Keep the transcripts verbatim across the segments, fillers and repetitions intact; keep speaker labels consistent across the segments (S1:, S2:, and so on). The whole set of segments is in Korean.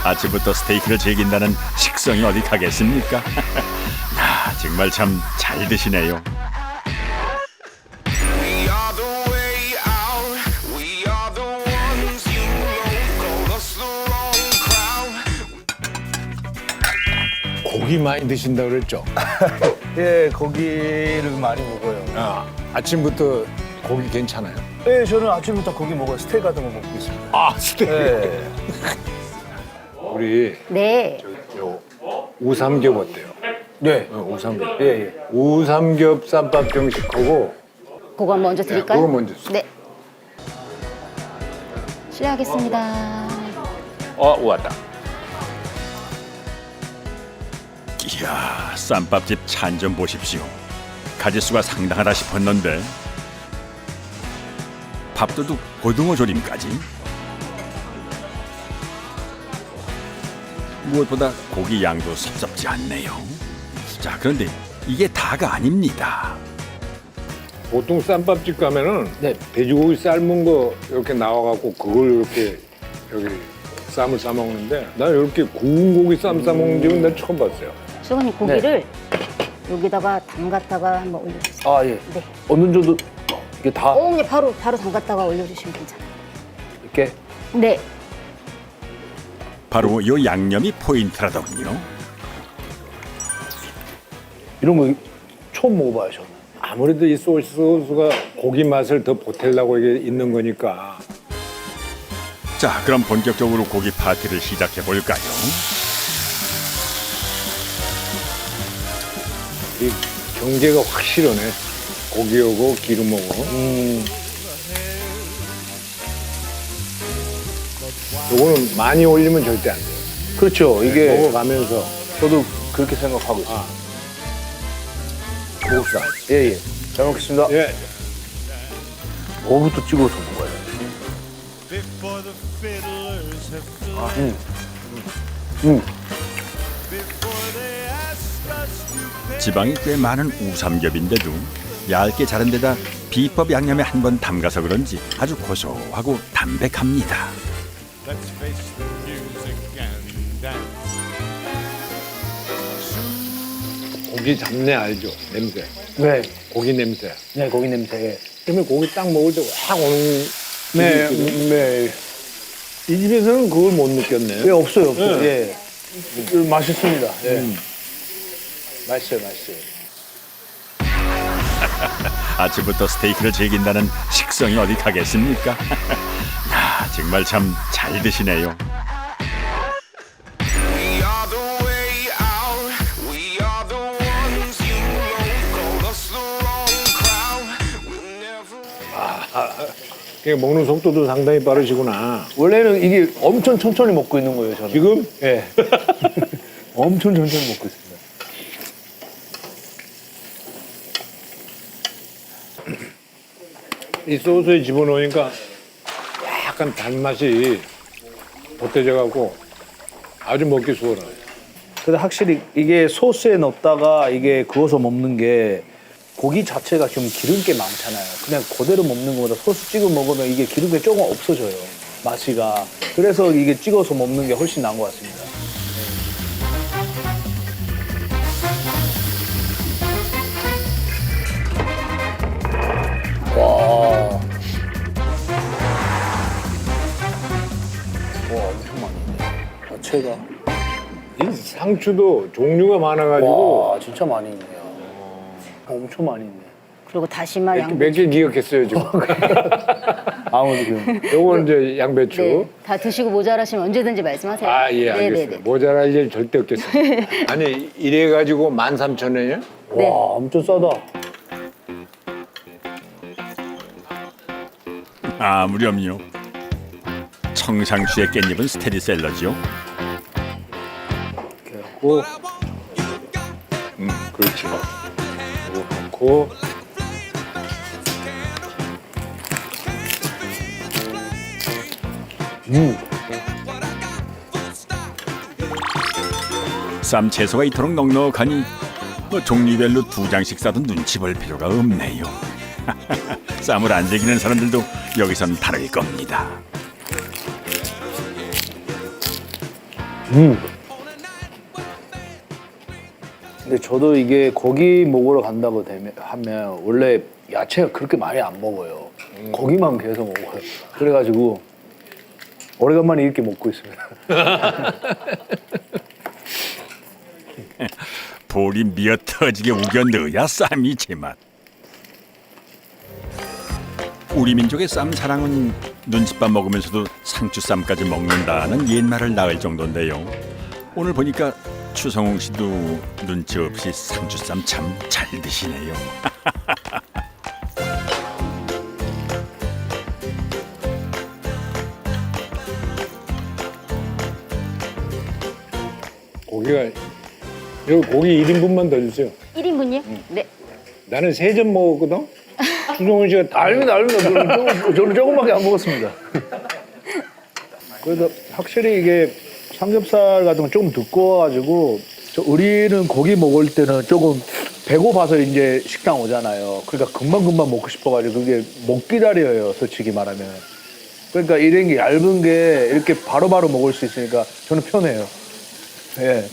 S1: 아침부터 스테이크를 즐긴다는 식성이 어디 가겠습니까? 야, 정말 참 잘 드시네요.
S2: We are the way out. We are the ones you know. Call us the wrong crowd.
S3: 고기 많이 드신다 그랬죠?
S4: 예, 고기를 많이 먹어요.
S3: 아, 아침부터 고기 괜찮아요?
S4: 예, 저는 아침부터 고기 먹어요. 스테이크 같은 거 먹고 있습니다.
S3: 아, 스테이크.
S4: 예.
S3: 우리
S5: 네.
S3: 요 우삼겹 어때요?
S4: 네.
S3: 어, 우삼겹.
S4: 예, 예.
S3: 우삼겹 쌈밥 정식하고
S5: 그거 먼저 드릴까요?
S3: 그거 먼저 주세요.
S5: 네. 실례하겠습니다.
S3: 어, 왔다.
S1: 이야, 쌈밥집 찬 좀 보십시오. 가짓수가 상당하다 싶었는데 밥도둑 고등어 조림까지. 무엇보다 고기 양도 섭섭지 않네요. 자, 그런데 이게 다가 아닙니다.
S3: 보통 쌈밥집 가면은
S4: 네.
S3: 돼지고기 삶은 거 이렇게 나와갖고 그걸 이렇게 여기 쌈을 싸 먹는데 나 이렇게 구운 고기 쌈 싸 먹는 집은 난 처음 봤어요.
S5: 수건님 고기를 여기다가 담갔다가 한번 올려주세요.
S4: 아, 예.
S5: 네.
S4: 어느 정도 이게 다
S5: 어, 그냥 바로 바로 담갔다가 올려주시면 괜찮아요.
S4: 이렇게
S5: 네.
S1: 바로 이 양념이 포인트라더군요.
S4: 이런 거 처음 먹어봐요, 저는.
S3: 아무래도 이 소스가 고기 맛을 더 보태려고 이게 있는 거니까.
S1: 자, 그럼 본격적으로 고기 파티를 시작해 볼까요?
S3: 이 경계가 확실하네. 고기하고 기름하고.
S4: 음,
S3: 요거는 많이 올리면 절대 안 돼요.
S4: 그렇죠. 이게
S3: 먹어가면서.
S4: 저도 그렇게 생각하고 있어요.
S3: 아. 먹읍시다.
S4: 예, 예. 잘 먹겠습니다.
S3: 예.
S4: 뭐부터 찍어서 먹어요?
S2: Before the fiddlers have flown.
S4: 아, 음. 음.
S2: Before they asked us to pay.
S1: 지방이 꽤 많은 우삼겹인데도 얇게 자른 데다 비법 양념에 한 번 담가서 그런지 아주 고소하고 담백합니다.
S2: Let's face the music and dance.
S3: 고기 잡내 알죠? 냄새.
S4: 네.
S3: 고기 냄새.
S4: 네, 고기 냄새.
S3: 그러면 고기 딱 먹을 때 확 오는.
S4: 네,
S3: 집이 있거든요.
S4: 네.
S3: 이 집에서는 그걸 못 느꼈네.
S4: 예, 없어요, 없어요.
S3: 네.
S4: 예. 음, 맛있습니다. 예.
S3: 음.
S4: 맛있어요, 맛있어요.
S1: 아침부터 스테이크를 즐긴다는 식성이 어디 가겠습니까? 야, 정말 참 잘 드시네요.
S2: We are the way out. We are the ones you know. Call us the wrong crowd. We'll never.
S3: 그러니까 먹는 속도도 상당히 빠르시구나.
S4: 원래는 이게 엄청 천천히 먹고 있는 거예요, 저는.
S3: 지금?
S4: 예. 엄청 천천히 먹고 있습니다.
S3: 이 소스에 집어넣으니까 약간 단맛이 보태져갖고 아주 먹기 수월해요.
S4: 근데 확실히 이게 소스에 넣었다가 이게 구워서 먹는 게 고기 자체가 좀 기름기 많잖아요. 그냥 그대로 먹는 것보다 소스 찍어 먹으면 이게 기름기 조금 없어져요. 맛이가. 그래서 이게 찍어서 먹는 게 훨씬 나은 것 같습니다. 와. 와, 엄청 많이 있네. 자체가.
S3: 이 상추도 종류가 많아가지고
S4: 와, 진짜 많이 있네요. 엄청 많이 있네.
S5: 그리고 다시마
S3: 몇 개
S5: 양배추.
S3: 기억했어요 지금.
S4: 아무도 그
S3: 요건 이제 양배추.
S5: 네. 다 드시고 모자라시면 언제든지 말씀하세요.
S3: 아, 예,
S5: 네네네.
S3: 알겠습니다. 모자랄 일 절대 없겠습니다. 아니, 이래가지고 만 삼천 원이요?
S5: 네.
S4: 와, 엄청 싸다.
S1: 아, 무렴요. 청상추의 깻잎은 스테디셀러죠.
S4: 이렇게 하고
S3: 음, 그렇죠. 이거 넣고.
S4: 음.
S1: 쌈 채소가 이토록 넉넉하니 뭐 종류별로 두 장씩 싸도 눈치 볼 필요가 없네요. 쌈을 안 즐기는 사람들도 여기선 다를 겁니다.
S4: 음. 근데 저도 이게 고기 먹으러 간다고 되면 하면 원래 야채가 그렇게 많이 안 먹어요. 고기만 계속 먹어요. 그래가지고 오래간만에 이렇게 먹고 있습니다.
S1: 볼이 미어 터지게 우겨 넣어야 쌈이 제맛. 우리 민족의 쌈 사랑은 눈칫밥 먹으면서도 상추쌈까지 먹는다는 옛말을 낳을 정도인데요. 오늘 보니까 추성웅 씨도 눈치 없이 상추쌈 참 잘 드시네요.
S3: 고기가 여기 고기 일 인분만 더 주세요.
S5: 일 인분이요? 네.
S3: 나는 세 점 먹었거든. 추성훈 씨가 다
S4: 알면 알면 저는, 조금, 저는 조금밖에 안 먹었습니다. 그래서 확실히 이게 삼겹살 같은 건 조금 두꺼워가지고 저 우리는 고기 먹을 때는 조금 배고파서 이제 식당 오잖아요. 그러니까 금방금방 먹고 싶어가지고 그게 못 기다려요, 솔직히 말하면. 그러니까 이런 게 얇은 게 이렇게 바로바로 먹을 수 있으니까 저는 편해요. 예.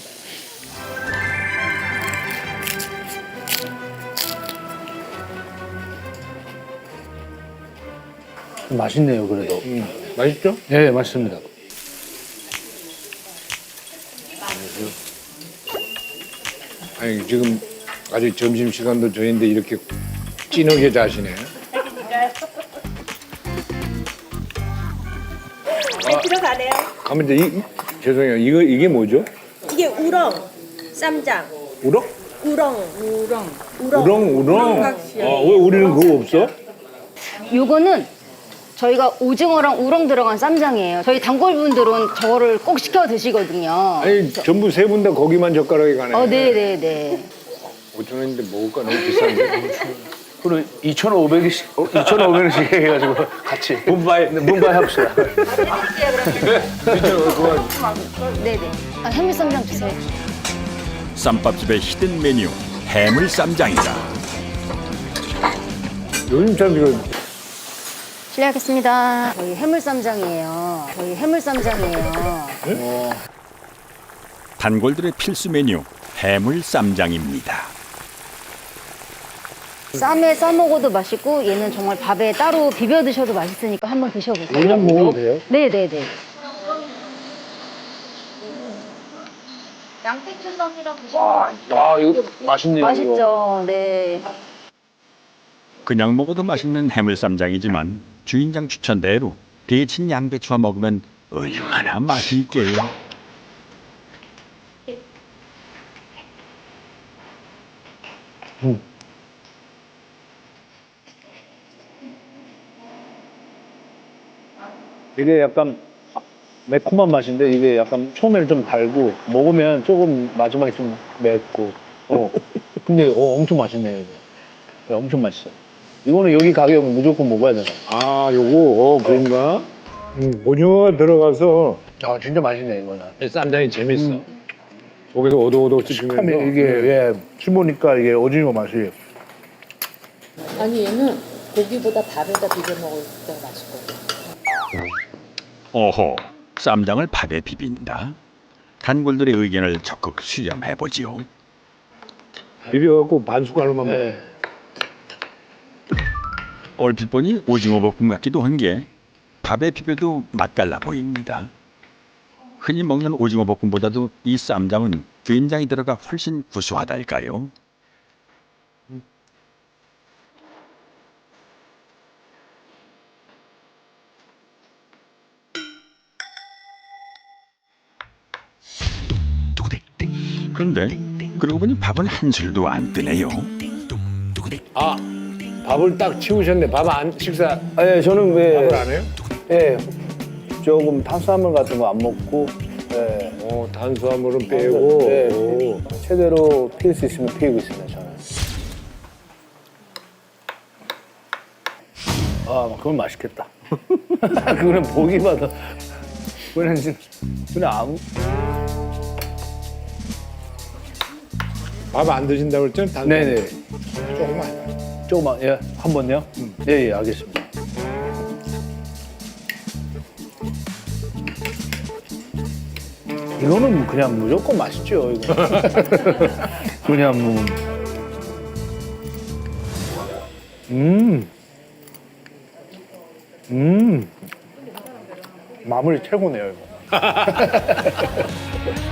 S4: 맛있네요, 그래도.
S3: 음, 맛있죠?
S4: 네, 맛있습니다.
S3: 아니 지금 아직 점심 시간도 저인데 이렇게 진하게 자시네.
S6: 네, 들어가네요.
S3: 가면 이제 이, 이- 죄송해요. 이거 이게 뭐죠?
S6: 이게 우렁, 쌈장,
S3: 우렁?
S6: 우렁, 우렁, 우렁,
S3: 우렁 우렁.
S6: 각시요.
S3: 아, 왜 우리는 그거 없어?
S5: 요거는 저희가 오징어랑 우렁 들어간 쌈장이에요. 저희 단골분들은 저거를 꼭 시켜 드시거든요.
S3: 아니 전부 세 분 다 거기만 젓가락에 가네.
S5: 어, 네네네.
S3: 오천 원인데 먹을까 너무 비싼데.
S4: 그럼 이천오백 원씩, 이천오백 원씩 해가지고 같이. 문바이. 네, 문바이 합시다.
S5: 네네. 아, 해물쌈장 주세요.
S1: 쌈밥집의 히든 메뉴 해물 쌈장이다.
S3: 요즘 참 이거
S5: 실례하겠습니다. 저희 해물쌈장이에요. 저희 해물쌈장이에요.
S1: 단골들의 필수 메뉴 해물 쌈장입니다.
S5: 쌈에 싸 먹어도 맛있고 얘는 정말 밥에 따로 비벼 드셔도 맛있으니까 한번 드셔보세요.
S4: 그냥 먹어도 돼요?
S5: 네네네. 양배추 쌈이랑 드시면
S4: 아, 이거 맛있네요.
S5: 맛있죠. 네.
S1: 그냥 먹어도 맛있는 해물 쌈장이지만 주인장 추천대로 데친 양배추와 먹으면 얼마나 맛이 있게요.
S4: 이게 약간 매콤한 맛인데 이게 약간 처음에는 좀 달고 먹으면 조금 마지막에 좀 맵고. 어. 근데 어, 엄청 맛있네요. 이거. 네, 엄청 맛있어요. 이거는 여기 가격 무조건 먹어야 되나?
S3: 아 요거 어 그런가? 음, 오징어가 들어가서
S4: 아 진짜 맛있네 이거는.
S3: 쌈장이 재밌어. 속에서 오도오도 씹히면서
S4: 하면 이게 예, 씹으니까 이게 오징어 맛이.
S7: 아니 얘는 고기보다 밥에다 비벼 먹을 때가 맛있거든.
S1: 어허, 쌈장을 밥에 비빈다. 단골들의 의견을 적극 수렴해보지요.
S3: 비벼갖고 반 숟갈로만 먹어.
S4: 예.
S1: 얼핏 보니 오징어 볶음 같기도 한 게 밥에 비벼도 맛깔나 보입니다. 흔히 먹는 오징어 볶음보다도 이 쌈장은 된장이 들어가 훨씬 구수하달까요? 그런데 그러고 보니 밥은 한 술도 안 뜨네요.
S3: 아 밥을 딱 치우셨네. 밥 안 식사
S4: 예, 저는 왜
S3: 밥을 안 해요?
S4: 예, 조금 탄수화물 같은 거 안 먹고 예,
S3: 어 탄수화물은 빼고.
S4: 네,
S3: 오.
S4: 최대로 피울 수 있으면 피우고 있습니다 저는. 아, 그건 맛있겠다. 그거는 보기만 더. 그냥 진- 그냥 아무.
S3: 밥 안 드신다고 그랬잖아요. 탄수화물.
S4: 네네.
S3: 조금만.
S4: 조금만 예, 한 번요. 예, 예, 알겠습니다. 이거는 그냥 무조건 맛있죠. 이거. 그냥 뭐. 음. 음. 마무리 최고네요, 이거.